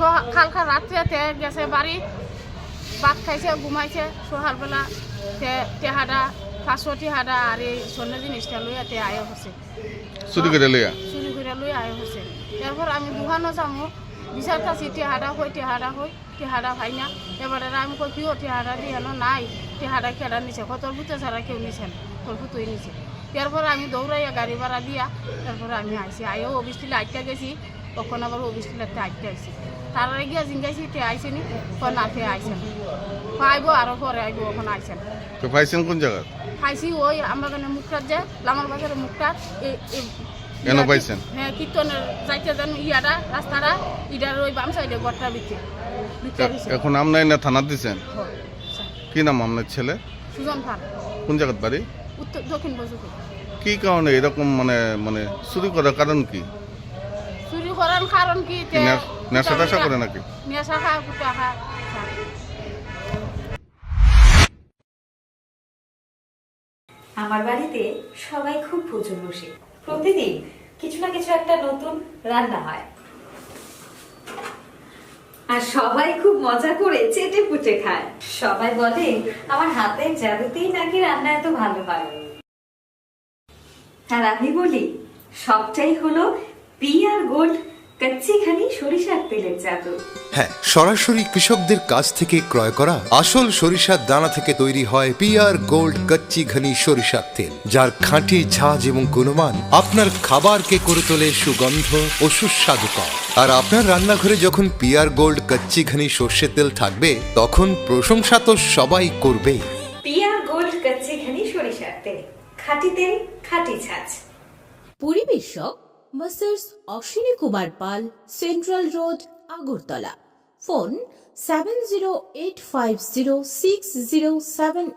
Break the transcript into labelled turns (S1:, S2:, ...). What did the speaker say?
S1: কালকা রাত্রে গেছে বাড়ি, ভাত খাইছে, ঘুমাইছে। সকালবেলা টেহাডা 500 টেহাডা আর এই স্বর্ণ জিনিসটা লইয়া আয় হচ্ছে,
S2: চুরি করে লইয়া
S1: আয় হচ্ছে। এরপর আমি দোকানও যাবো, বিচার কাছি টেহাডা ভাই না। এবারে আমি কই কিও টেহাডা দিয়ে নাই, টেহাডা কেডা নিছে, কত ভূতে ছাড়া কেউ নিছেন, তোর ভূতই নিছে। এরপর আমি দৌড়াইয়া গাড়ি ভাড়া দিয়া তারপরে আমি আইসি, আইও অফিস টিলে আটকা গেছি, তখন আবার অফিস টিলাতে আটকা আইসি। তার আগে গিয়া জিঙ্গাইছি তে আইসেনি, না তে আইসেন, আইব আরো পরে আইব, ওখানে আইসেন।
S2: তো পাইছেন কোন জায়গা?
S1: খাইছি ওই আমরা কানে মুখটার যে লামার বাজারে মুখটার
S2: কেন পাইছেন?
S1: হ্যাঁ, কীর্তনের যাইতে যান ইয়াটা রাস্তাটা ইটার ওই বাম সাইডে গড়টার ভিতরে।
S2: এখন আমনাই না থানা দিছেন? কি নাম আপনার ছেলে?
S1: সুজন ফান।
S2: কোন জায়গার বাড়ি?
S1: উত্তর দক্ষিণ বজুকে।
S2: কি কারণে এরকম মানে চুরি করার কারণ কি?
S1: চুরি করার কারণ কি?
S2: নেশা টেশা করে নাকি?
S1: নেশা খা, কুটা খা।
S3: আমার বাড়িতে সবাই খুব প্রচুর বসে, প্রতিদিন কিছু না কিছু একটা নতুন রান্না হয়, আর সবাই খুব মজা করে চেটে পুটে খায়। সবাই বলে আমার হাতের জাদুতেই নাকি রান্না এত ভালো হয়। আর আমি বলি সবটাই হলো পিআর গোল্ড কচ্চিখানি সরিষার তেলের জাদু।
S4: হ্যাঁ, সরাসরি কৃষকদের কাছ থেকে ক্রয় করা আসল সরিষার দানা থেকে তৈরি হয় পিআর গোল্ড কচ্চি ঘনি সরিষার তেল, যার খাঁটি ঝাঁজ এবং গুণমান আপনার খাবারকে করে তোলে সুগন্ধ ও সুস্বাদুকর। আর আপনার রান্নাঘরে যখন পিআর গোল্ড কচ্চি ঘনি সর্ষের তেল থাকবে, তখন প্রশংসা তো সবাই করবেই।
S3: পিআর গোল্ড কচ্চিখানি সরিষার তেল, খাঁটি তেল, খাঁটি ছাঁচ।
S5: পরিবেশক masters Ashwini Kumar Pal, central road, Agartala. Phone 70850607